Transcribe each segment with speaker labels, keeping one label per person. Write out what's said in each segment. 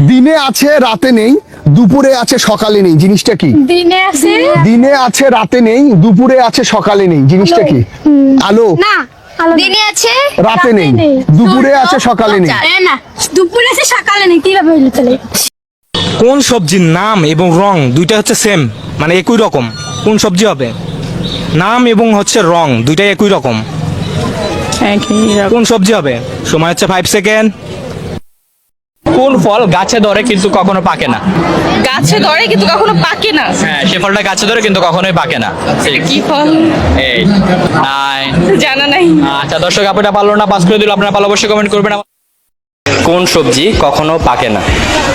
Speaker 1: দিনে আছে রাতে নেই, দুপুরে আছে সকালে নেই, জিনিসটা কি? দিনে আছে রাতে নেই, দুপুরে আছে সকালে নেই, জিনিসটা কি? আলো।
Speaker 2: না, দিনে আছে
Speaker 1: রাতে নেই, দুপুরে আছে সকালে নেই।
Speaker 2: না, দুপুরে আছে সকালে নেই, কিভাবে হইলো তাহলে?
Speaker 3: কোন সবজির নাম এবং রং দুইটা হচ্ছে সেম, মানে একই রকম? কোন সবজি হবে? নাম এবং হচ্ছে রং দুইটাই একই রকম, কোন সবজি হবে? সময় হচ্ছে 5 সেকেন্ড।
Speaker 4: কোন ফল গাছে ধরে কিন্তু কখনো পাকে না?
Speaker 5: গাছে ধরে কিন্তু কখনো পাকে না।
Speaker 4: হ্যাঁ, সে ফলটা গাছে ধরে কিন্তু কখনোই পাকে না।
Speaker 5: কি ফল?
Speaker 4: 8 9।
Speaker 5: জানা নাই।
Speaker 4: আচ্ছা, দর্শক আপনারা পারলো না, পাস করে দিল। আপনারা পারলে অবশ্যই কমেন্ট করবেন। কোন সবজি কখনো পাকে না?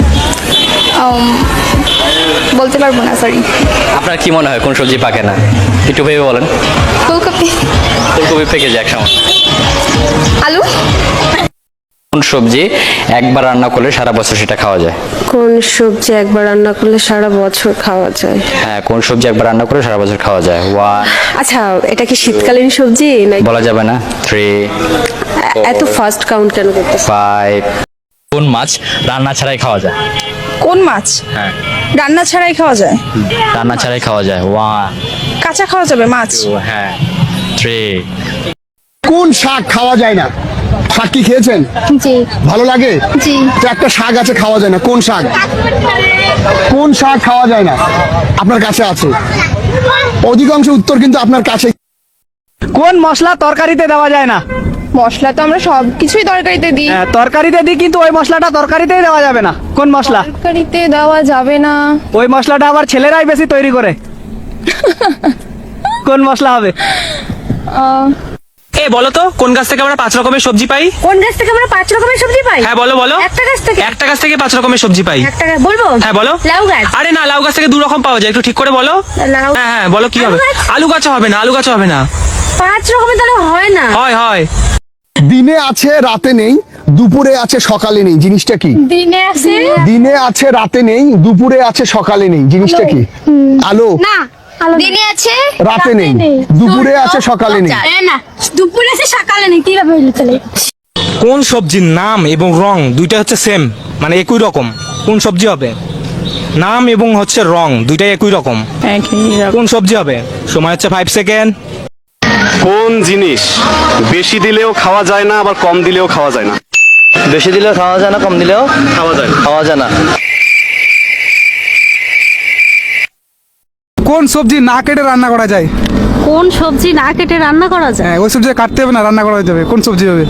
Speaker 2: বলতে পারবো না, সরি।
Speaker 4: আপনার কি মনে হয় কোন সবজি পাকে না? একটু ভেবে বলেন।
Speaker 2: ফুলকপি।
Speaker 4: ফুলকপি পেকে যায় এক সময়।
Speaker 2: আলু।
Speaker 4: কোন সবজি একবার রান্না করলে সারা বছর সেটা খাওয়া যায়?
Speaker 6: কোন সবজি একবার রান্না করলে সারা বছর খাওয়া যায়?
Speaker 4: হ্যাঁ, কোন সবজি একবার রান্না করে সারা বছর খাওয়া যায়? 1।
Speaker 6: আচ্ছা, এটা কি শীতকালীন সবজি নাকি?
Speaker 4: বলা যাবে না। 3
Speaker 6: এত ফাস্ট কাউন্ট কেন করতেছ?
Speaker 4: 5। কোন মাছ রান্না ছাড়াই খাওয়া যায়?
Speaker 5: কোন মাছ
Speaker 4: হ্যাঁ,
Speaker 5: রান্না ছাড়াই খাওয়া যায়?
Speaker 4: রান্না ছাড়াই খাওয়া যায়। 1
Speaker 5: কাঁচা খাওয়া যাবে মাছ?
Speaker 4: 2 হ্যাঁ 3।
Speaker 1: কোন শাক খাওয়া যায় না? শাক কি খেয়েছেন?
Speaker 2: জি।
Speaker 1: ভালো লাগে?
Speaker 2: জি।
Speaker 1: তো একটা শাক আছে খাওয়া যায় না, কোন শাক? কোন শাক খাওয়া যায় না? আপনার কাছে আছে, অধিকাংশ উত্তর কিন্তু আপনার কাছে।
Speaker 7: কোন মশলা তরকারিতে দেওয়া যায় না?
Speaker 5: মশলা তো আমরা সব কিছুই তরকারিতে দিই।
Speaker 7: হ্যাঁ, তরকারিতে দিই, কিন্তু ওই মশলাটা তরকারিতেই দেওয়া যাবে না। কোন মশলা?
Speaker 5: তরকারিতে দেওয়া যাবে না।
Speaker 7: ওই মশলাটা আবার ছেলেরাই বেশি তৈরি করে। কোন মশলা হবে?
Speaker 3: এ বলো তো, কোন গাছ থেকে আমরা 5 রকমের সবজি পাই?
Speaker 2: কোন গাছ থেকে আমরা 5 রকমের সবজি পাই?
Speaker 3: হ্যাঁ বলো বলো।
Speaker 2: একটা গাছ থেকে।
Speaker 3: একটা গাছ থেকে 5 রকমের সবজি পাই।
Speaker 2: একটা গাছ বলবো?
Speaker 3: হ্যাঁ বলো।
Speaker 2: লাউ গাছ।
Speaker 3: আরে না, লাউ গাছ থেকে 2 রকম পাওয়া যায়, একটু ঠিক করে বলো।
Speaker 2: লাউ।
Speaker 3: হ্যাঁ হ্যাঁ বলো, কি
Speaker 2: আলু
Speaker 3: হবে?
Speaker 2: গাছ?
Speaker 3: আলু গাছ হবে না, আলু গাছ হবে না।
Speaker 2: 5 রকমের তাহলে হয় না।
Speaker 3: হয় হয়।
Speaker 1: দিনে আছে রাতে নেই, দুপুরে আছে সকালে নেই, জিনিসটা কি?
Speaker 2: দিনে আছে।
Speaker 1: দিনে আছে রাতে নেই, দুপুরে আছে সকালে নেই, জিনিসটা কি? আলো।
Speaker 2: না, দিনে আছে
Speaker 1: রাতে নেই, দুপুরে আছে সকালে নেই।
Speaker 2: না, দুপুরে আছে সকালে নেই, কিভাবে হইলো তাহলে?
Speaker 3: কোন সবজির নাম এবং রং দুইটা হচ্ছে সেম, মানে একই রকম? কোন সবজি হবে? নাম এবং হচ্ছে রং দুইটাই একই রকম, কোন সবজি হবে? সময় হচ্ছে 5 সেকেন্ড।
Speaker 8: কোন জিনিস বেশি দিলেও খাওয়া যায় না, আবার কম দিলেও খাওয়া যায় না?
Speaker 9: বেশি দিলেও খাওয়া যায় না, কম দিলেও
Speaker 8: খাওয়া যায় না।
Speaker 9: খাওয়া যায় না।
Speaker 7: কোন সবজি না কেটে রান্না করা যায়?
Speaker 6: কোন সবজি না কেটে রান্না করা যায়?
Speaker 7: হ্যাঁ, ওই সবজি কাটতে হবে না, রান্না করা যাবে। কোন সবজি হবে?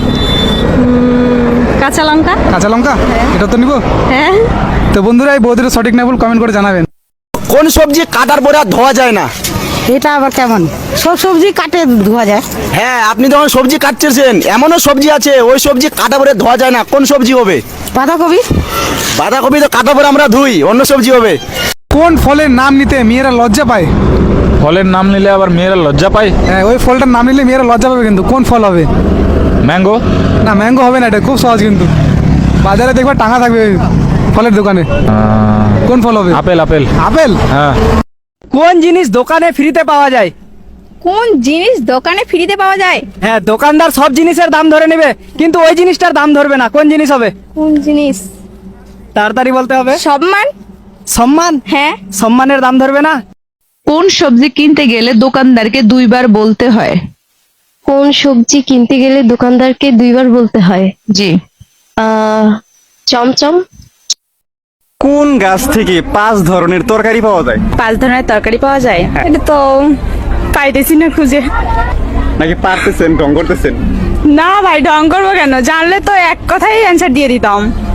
Speaker 6: কাঁচা লঙ্কা।
Speaker 7: কাঁচা লঙ্কা? এটা তো নিব।
Speaker 6: হ্যাঁ।
Speaker 7: তো বন্ধুরা, এই বৌদির সঠিক না ভুল কমেন্ট করে জানাবেন।
Speaker 9: কোন সবজি কাটার পরে আর ধোয়া যায় না?
Speaker 6: এটা আবার কেমন? সব সবজি কাটে ধোয়া যায়।
Speaker 9: হ্যাঁ, আপনি যখন সবজি কাটতেছেন, এমনও সবজি আছে ওই সবজি কাটা পরে ধোয়া যায় না। কোন সবজি হবে?
Speaker 6: বাঁধাকপি।
Speaker 9: বাঁধাকপি তো কাটা পরে আমরা ধুই, অন্য সবজি হবে।
Speaker 7: কোন ফলের নাম নিতে মেয়েরা লজ্জা পায়?
Speaker 10: ফলের নাম নিলে আবার মেয়েরা লজ্জা পায়?
Speaker 7: হ্যাঁ, ওই ফলটার নাম নিলে মেয়েরা লজ্জা পাবে, কিন্তু কোন ফল হবে?
Speaker 10: ম্যাঙ্গো?
Speaker 7: না, ম্যাঙ্গো হবে না, এটা খুব সহজ কিন্তু। বাজারে দেখবা টাঙা থাকবে ফলের দোকানে। কোন ফল হবে?
Speaker 10: আপেল। আপেল?
Speaker 7: আপেল।
Speaker 10: হ্যাঁ।
Speaker 7: কোন জিনিস দোকানে ফ্রিতে পাওয়া যায়?
Speaker 5: কোন জিনিস দোকানে ফ্রিতে পাওয়া যায়?
Speaker 7: হ্যাঁ, দোকানদার সব জিনিসের দাম ধরে নেবে, কিন্তু ওই জিনিসটার দাম ধরবে না। কোন জিনিস হবে?
Speaker 5: কোন জিনিস?
Speaker 7: তাড়াতাড়ি বলতে হবে।
Speaker 5: সম্মান।
Speaker 7: সম্মান?
Speaker 5: হ্যাঁ।
Speaker 7: সম্মানের দাম ধরবে না।
Speaker 5: কোন সবজি কিনতে গেলে দোকানদারকে 2 বার বলতে হয়?
Speaker 6: কোন সবজি কিনতে গেলে দোকানদারকে 2 বার বলতে হয়?
Speaker 5: জি।
Speaker 6: চমচম।
Speaker 8: কোন গাছ থেকে 5 ধরনের তরকারি পাওয়া যায়?
Speaker 5: 5 ধরনের তরকারি পাওয়া যায়? এটা তো পাইতেছি না খুঁজে।
Speaker 8: নাকি পারতেছেন, ঢং করতেছেন?
Speaker 5: না ভাই, ঢং করবো কেন? জানলে তো এক কথাই অ্যান্সার দিয়ে দিতাম।